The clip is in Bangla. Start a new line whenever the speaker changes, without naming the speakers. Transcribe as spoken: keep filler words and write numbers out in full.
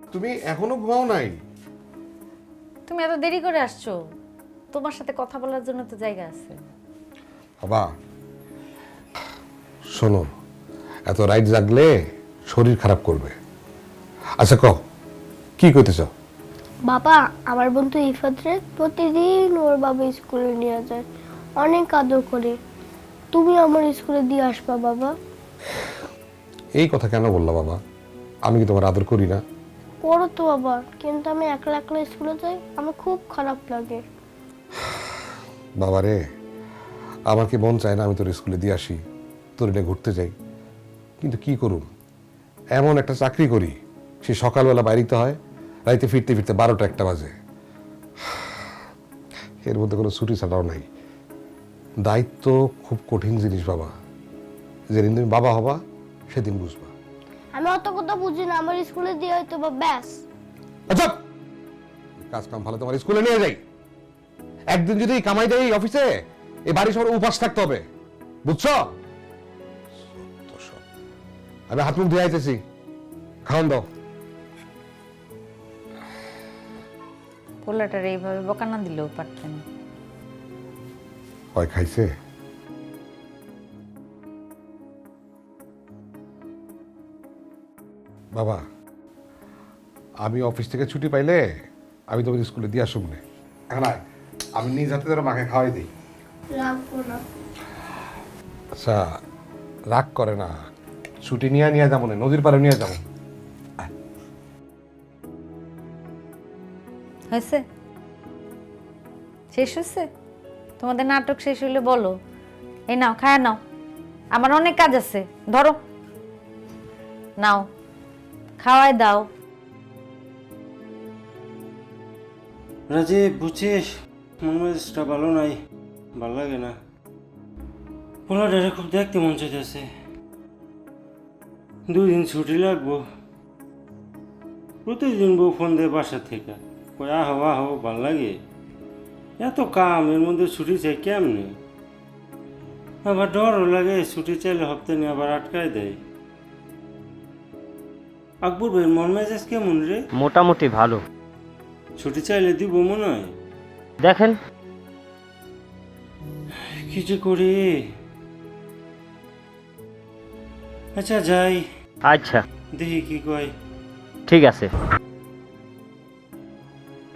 তুমি এখনো ঘুমাও নাই?
তুমি এত দেরি করে আসছো, তোমার সাথে কথা বলার জন্য তো জায়গা আছে।
বাবা শোনো, এত রাইট জাগলে শরীর খারাপ করবে। আচ্ছা কও, কি করতে চাও?
বাবা, আমার বন্ধু ইফাতরে প্রতিদিন ওর বাবা স্কুলে নিয়ে যায়, অনেক আদর করে। তুমি আমার স্কুলে দিয়ে আসবা বাবা।
এই কথা কেন বললা বাবা? আমি কি তোমার আদর করি না?
করো তো বাবা, কিন্তু আমি একলা একলা স্কুলে যাই, আমার খুব খারাপ লাগে।
বাবা রে, আমার কি মন চায় না আমি তোর স্কুলে দিয়ে আসি, তোর এটা ঘুরতে যাই? কিন্তু কি করুম, এমন একটা চাকরি করি, সে সকালবেলা বাইরিতে হয়, রাইতে ফিরতে ফিরতে বারোটা একটা বাজে। এর মধ্যে কোনো ছুটি ছাড়াও নাই। দায়িত্ব খুব কঠিন জিনিস বাবা। যেদিন তুমি বাবা হবা সেদিন বুঝবা।
আমি অত কথা বুঝি না, আমার স্কুলে দিয়ে হয়তো বা ব্যাস।
আচ্ছা, কাজ কাম ভালো তোমার স্কুলে নিয়ে যাই। একদিন যদি কামাই দেয় এই অফিসে, এই বাড়ি সবার উপাস থাকতে হবে, বুঝছো? আমি হাত মুখ ধুয়ে আইতেছি, খাওয়ান দাও।
পোলাটার এইভাবে বকা না দিলেও পারতেন।
হয় খাইছে? বাবা, আমি অফিস থেকে ছুটি পাইলে আমি তোমার স্কুলে দিয়ে আসুক না। এখন আয়, আমি নিজ হাতে ধরে মাকে খাওয়াই দিই।
রাখবো না।
আচ্ছা, রাগ করে না, ছুটি নিয়ে নিয়ে যাবো না, নদীর পাড়ে নিয়ে যাবো।
হয়েছে? শেষ হয়েছে? তোমাদের নাটক শেষ হইলে বলো। এই নাও, খায়া নাও, আমার অনেক কাজ আছে। ধরো, নাও, খাওয়াই দাও।
রাজীব, বুঝছিস মন মেজাজটা ভালো নাই, ভালো লাগে না। পোলাটারে খুব দেখতে মন চাইতেছে। দুই দিন ছুটি লাগবো। প্রতিদিন বউ ফোন দেয় বাসা থেকে, কই আহো আহো, ভাল লাগে। এত কাম, এর মধ্যে ছুটি চাই কেমনে? আবার ডরও লাগে, ছুটি চাইলে হপ্তাহ নিয়ে আবার আটকায় দেয়। আকবর ভাইয়ের মন মেজাজ কেমন রে?
মোটামুটি ভালো।
ছুটি চাইলে দিব মনে হয়।
দেখেন,
কি যে করি। আচ্ছা যাই,
আচ্ছা
দেখি কি কয়।
ঠিক আছে।